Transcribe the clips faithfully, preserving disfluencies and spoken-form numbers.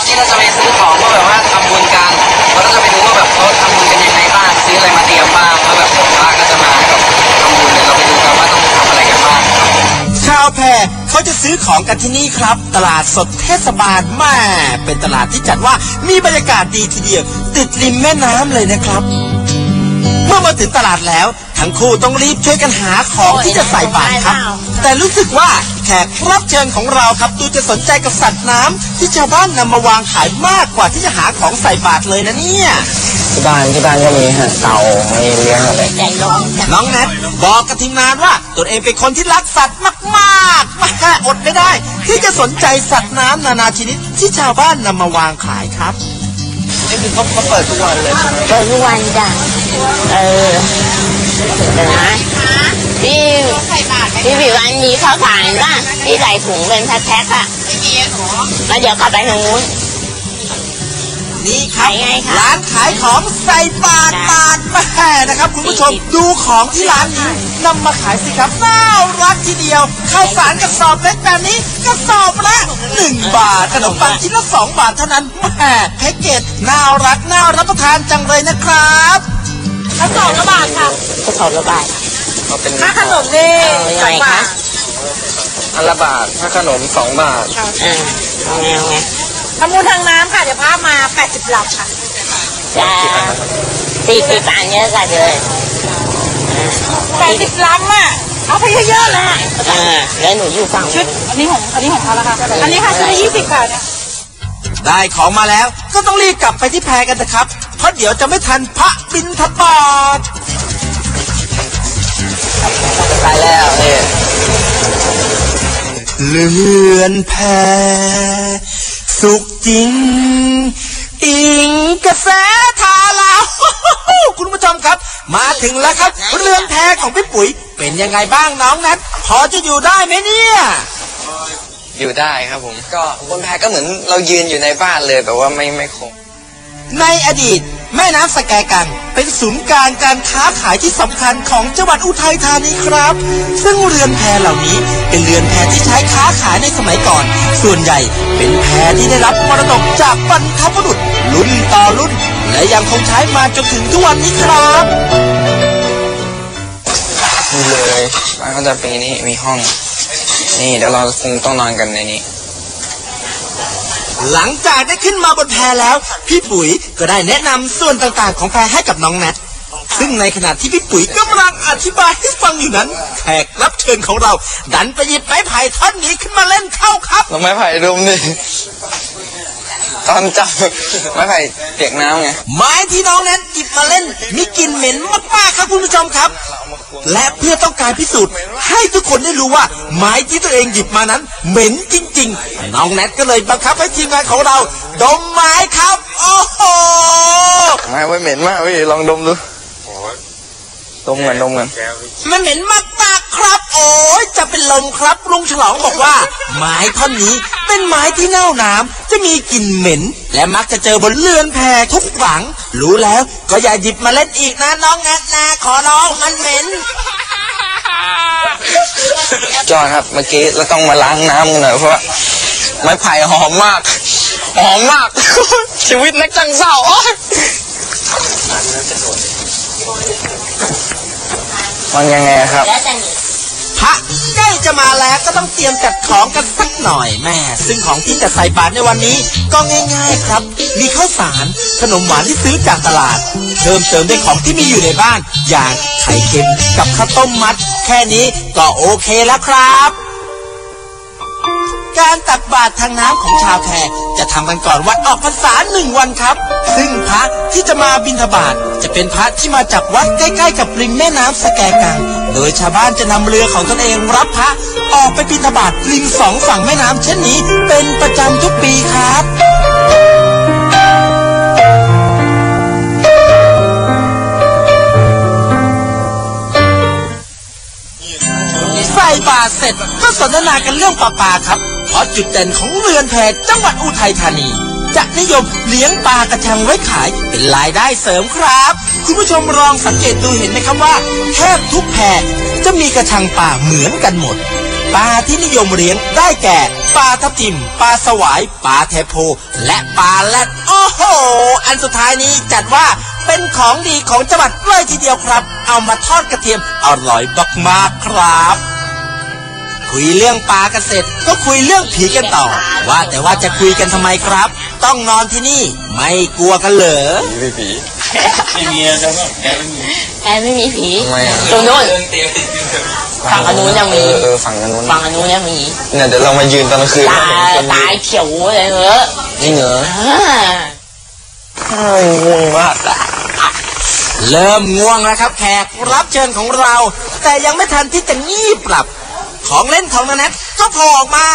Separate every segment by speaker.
Speaker 1: ที่เราจะไปซื้อของก็แบบว่าทำบุญกันเราก็จะไปดูว่าแบบเขาทำบุญกันยังไงบ้างซื้ออะไรมาเตรียมบ้างแล้วแบบพระก็จะมาแบบทำบุญเนี่ยเราไปดูกันว่าต้องทำอะไรกันบ้าง
Speaker 2: ชาวแพเขาจะซื้อของกันที่นี่ครับตลาดสดเทศบาลแม่เป็นตลาดที่จัดว่ามีบรรยากาศดีทีเดียวติดริมแม่น้ำเลยนะครับเมื่อมาถึงตลาดแล้วทั้งคู่ต้องรีบช่วยกันหาของที่จะใส่บาตรครับแต่รู้สึกว่าแขกรับเชิญของเราครับดูจะสนใจกับสัตว์น้ำที่ชาวบ้านนำมาวางขายมากกว่าที่จะหาของใส่บาตรเลยนะเนี่ย
Speaker 1: ที่บ้านที่บ้านก็มีฮะเต่ามีเลี้ยงอะไร
Speaker 2: น้องแนทบอกกับทีมงานว่าตัวเองเป็นคนที่รักสัตว์มากๆมากอดไม่ได้ที่จะสนใจสัตว์น้ำนานาชนิดที่ชาวบ้านนำมาวางขายครับ
Speaker 1: นี่คือเขาเขาเปิดทุกวันเลย
Speaker 3: เปิดทุกวันจ้ะเออเดี๋ยวนะพี่พี่ผิวอันนี้ข้าวสารป่ะที่ใส่ถุงเป็นแพ็คๆอ่ะไม่มีหรอแล้วเดี๋ยวกลับไปทางนู้น
Speaker 2: นี่ครับร้านขายของใส่บาตรบาตรแม่นะครับคุณผู้ชมดูของที่ร้านนี้นำมาขายสิครับน่ารักทีเดียวข้าวสารกระสอบเล็กแบบนี้กระสอบละหนึ่งบาทขนมปังชิ้นละสองบาทเท่านั้นแม่แพ็กเกจน่ารักน่ารับประทานจังเลยนะครับ
Speaker 3: กระสอบละบาทค่ะกระสอบละบาท
Speaker 1: ค่า
Speaker 3: ขนมนี่สองบาท
Speaker 1: อันละบาทค่าขนมสองบาท
Speaker 3: อ่าเอาไงเอาไง
Speaker 4: ทำมูทางน้ำค่ะเดี๋ยวพามาแปดสิบลำค่ะ
Speaker 3: จ้าสี่สิบอันเยอะกันเลย
Speaker 4: แปดสิบลำอ่ะเอาไปเยอะๆเลย
Speaker 3: อ่าแล้วหนูอยู่ฝั่ง
Speaker 4: ชุดอันนี้ของอันนี้ของเขาแล้วค่ะอันนี้ค่ะชุดละยี่สิบค่ะเนี่ย
Speaker 2: ได้ของมาแล้วก็ต้องรีบกลับไปที่แพกันนะครับเพราะเดี๋ยวจะไม่ทันพระบิณฑบาต
Speaker 1: ไปแล้วเนี่ย
Speaker 2: เลือนแพสุขจริงอิงกระแสทาลาคุณผู้ชมครับมาถึงแล้วครับเรือนแพของพี่ปุ๋ยเป็นยังไงบ้างน้องนัทพอจะอยู่ได้ไหมเนี่ย
Speaker 1: อยู่ได้ครับผมก็บนแพก็เหมือนเรายืนอยู่ในบ้านเลยแต่ว่าไม่ไม่คง
Speaker 2: ในอดีตแม่น้ำสแกกังเป็นศูนย์กลางการค้าขายที่สำคัญของจังหวัดอุทัยธานีครับซึ่งเรือนแพเหล่านี้เป็นเรือนแพที่ใช้ค้าขายในสมัยก่อนส่วนใหญ่เป็นแพที่ได้รับมรดกจากบรรพบุรุษรุ่นต่อรุ่นและยังคงใช้มาจนถึงทุกวันนี้ครับ
Speaker 1: นี่เลยบ้านเขาจะเป็นนี่มีห้องนี่เดี๋ยวเราคงต้องนอนกันในนี้
Speaker 2: หลังจากได้ขึ้นมาบนแพแล้วพี่ปุ๋ยก็ได้แนะนำส่วนต่างๆของแพให้กับน้องแนทซึ่งในขณะที่พี่ปุ๋ยกำลังอธิบายให้ฟังอยู่นั้นแขกรับเชิญของเราดันไปหยิบไม้ไผ่ท่อนนี้ขึ้นมาเล่นเข้าครับ
Speaker 1: ไม้ไผ่ดมนี่ตอนจับไม้ไผ่เปียกน้ำไง
Speaker 2: ไม้ที่น้องแนทหยิบมาเล่นมีกลิ่นเหม็นมากๆครับคุณผู้ชมครับและเพื่อต้องการพิสูจน์ให้ทุกคนได้รู้ว่าไม้ที่ตัวเองหยิบมานั้นเหม็นจริงๆน้องแนทก็เลยบังคับให้ทีมงานของเราดมไม้ครับโอ้โห
Speaker 1: ไม้ไว้เหม็นมากพี่ลองดมดูดมกันดมกัน
Speaker 2: มันเหม็นมากๆครับโอ้ยจะเป็นลมครับลุงฉลองบอกว่าไม้ท่อนนี้เป็นไม้ที่เน่าน้ำจะมีกลิ่นเหม็นและมักจะเจอบนเรือนแพทุกหลังรู้แล้วก็อย่าหยิบมาเล่นอีกนะน้องแนทนะขอร้องมันเหม็น
Speaker 1: จอครับเมื่อกี้เราต้องมาล้างน้ำกันหน่อยเพราะว่าไม้ไผ่หอมมากหอมมากชีวิตนักจังเศร้ามันยังไงครับ
Speaker 2: พระใกล้จะมาแล้วก็ต้องเตรียมจัดของกันสักหน่อยแม่ซึ่งของที่จะใส่บาตรในวันนี้ก็ง่ายๆครับมีข้าวสารขนมหวานที่ซื้อจากตลาดเพิ่มเติมด้วยของที่มีอยู่ในบ้านอย่างไข่เค็มกับข้าวต้มมัดแค่นี้ก็โอเคแล้วครับการตักบาตรทางน้ำของชาวแพจะทำกันก่อนวันออกพรรษาหนึ่งวันครับซึ่งพระที่จะมาบิณฑบาตจะเป็นพระที่มาจากวัดใกล้ๆกับริมแม่น้ำสแกกังโดยชาวบ้านจะนำเรือของตนเองรับพระออกไปบิณฑบาตริมสองฝั่งแม่น้ำเช่นนี้เป็นประจำทุกปีครับใส่บาตรเสร็จก็สนทนากันเรื่องปลาปลาครับเพราะจุดเด่นของเรือนแพจังหวัดอุทัยธานีจะนิยมเลี้ยงปลากระชังไว้ขายเป็นรายได้เสริมครับคุณผู้ชมลองสังเกตดูเห็นไหมครับว่าแทบทุกแพจะมีกระชังปลาเหมือนกันหมดปลาที่นิยมเลี้ยงได้แก่ปลาทับทิมปลาสวายปลาเทโพและปลาแรดโอ้โหอันสุดท้ายนี้จัดว่าเป็นของดีของจังหวัดเลยทีเดียวครับเอามาทอดกระเทียมอร่อยมากๆครับคุยเรื่องปลากันเสร็จก็คุยเรื่องผีกันต่อว่าแต่ว่าจะคุยกันทำไมครับต้องนอนที่นี่ไม่กลัวกันเหรอ
Speaker 1: ไม่ผีไม่มีนะแกไม่มี
Speaker 3: แอนไม่มีผี
Speaker 1: ทำไมอ่ะ
Speaker 3: ตรงโน้น
Speaker 1: เรื่องเตียง
Speaker 3: ฝั่งอนุยังมี
Speaker 1: เออฝั่งอนุน
Speaker 3: ฝั่งอนุยังมี
Speaker 1: เนี่ยเดี๋ยวเรามายืนตอนกลางคืน
Speaker 3: ตาตายเขียวเลยเหรอ
Speaker 1: จริงเหรอ
Speaker 3: อ่า
Speaker 1: เฮ้ยง่วงมากอะ
Speaker 2: เริ่มง่วงแล้วครับแขกรับเชิญของเรา แต่ยังไม่ทันที่จะงีบหลับของเล่นของนาแนทก็โผล่ออกมา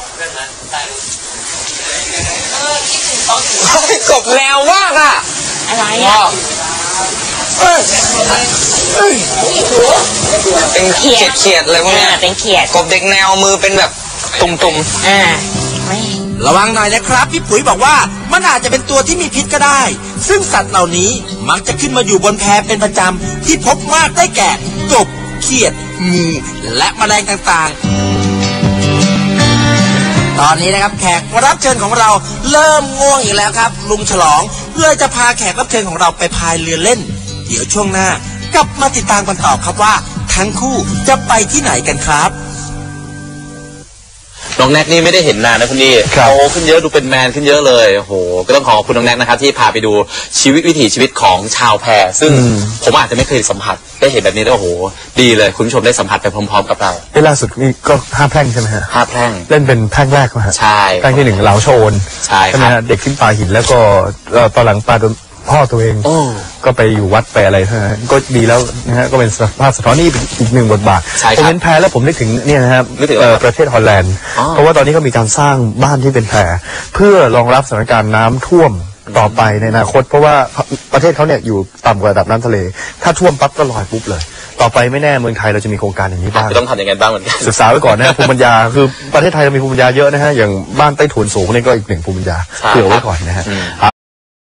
Speaker 1: กบแนวมากอ่ะ
Speaker 3: อะไรอ่ะ
Speaker 1: เอ้ยเอ้ยเป็นเขียดเขียดอะไรพวก
Speaker 3: อ่า
Speaker 1: เนี้ย
Speaker 3: เป็นเขียด
Speaker 1: กบเด็กแนวมือเป็นแบบตุ่ม
Speaker 3: อ่าไม่
Speaker 2: ระวังหน่อยนะครับพี่ปุ๋ยบอกว่ามันอาจจะเป็นตัวที่มีพิษก็ได้ ซึ่งสัตว์เหล่านี้มักจะขึ้นมาอยู่บนแพเป็นประจำที่พบมากได้แก่กบเขียดงูและแมลงต่างๆ ตอนนี้นะครับแขกรับเชิญของเราเริ่มง่วงอีกแล้วครับลุงฉลองเลยจะพาแขกรับเชิญของเราไปพายเรือเล่น เดี๋ยวช่วงหน้ากลับมาติดตามกันต่อครับว่าทั้งคู่จะไปที่ไหนกันครับ
Speaker 5: น้องแน็กนี่ไม่ได้เห็นนานนะคุณนี่โตขึ้นเยอะดูเป็นแมนขึ้นเยอะเลยโอ้โหก็ต้องขอบคุณน้องแน็กนะครับที่พาไปดูชีวิตวิถีชีวิตของชาวแพซึ่งผมอาจจะไม่เคยสัมผัสได้เห็นแบบนี้แล้วโอ้โหดีเลยคุณผู้ชมได้สัมผัสไปพร้อมๆกับเรา
Speaker 6: เอ้ล่าสุดนี่ก็ห้าแพร่งใช่ไหมฮะ
Speaker 5: ห้าแพร่ง
Speaker 6: เล่นเป็นแพร่งแรกไหมฮะ
Speaker 5: ใช่
Speaker 6: แพร่งที่หนึ่งเหลาโชน
Speaker 5: ใช่ครับ
Speaker 6: ไหมฮะเด็กขึ้นปลาหินแล้วก็เอ่อตอนหลังปลาโดนพ่อตัวเอง
Speaker 5: โอ้
Speaker 6: ก็ไปอยู่วัดไปอะไรนะฮะก็ดีแล้วนะฮะก็เป็นสภาพสะท้อนนี่เป็นอีกหนึ่งบทบาท
Speaker 5: ใช่ครับ
Speaker 6: ผมเห็นแพแล้วผมนึกถึงเนี่ยนะครับ
Speaker 5: นึกถึงอะไร
Speaker 6: เอ่อ
Speaker 5: ครับ
Speaker 6: ประเทศฮอลแลนด์
Speaker 5: อ๋อ
Speaker 6: เพราะว่าตอนนี้เขามีการสร้างบ้านที่เป็นแพเพื่อรองรับสถานการณ์น้ำท่วมต่อไปในอนาคต เพราะว่าประเทศเขาเนี่ยอยู่ต่ำกว่าระดับน้ำทะเล ถ้าท่วมปั๊บก็ลอยปุ๊บเลย ต่อไปไม่แน่เมืองไทยเราจะมีโครงการอย่างนี้บ้าง
Speaker 5: จะต้องทำอย่างไงบ้างเหมือนกัน
Speaker 6: ศึกษาไว้ก่อนนะฮะภูมิปัญญาคือประเทศไทยเรามีภูมิปัญญาเยอะนะฮะอย่างบ้านใต้ถุนสูงนี่ก็อีกหนึ่งภูมิปัญญา
Speaker 5: ใช่
Speaker 6: เผื่อไว้ก่อนนะฮะ
Speaker 5: อืม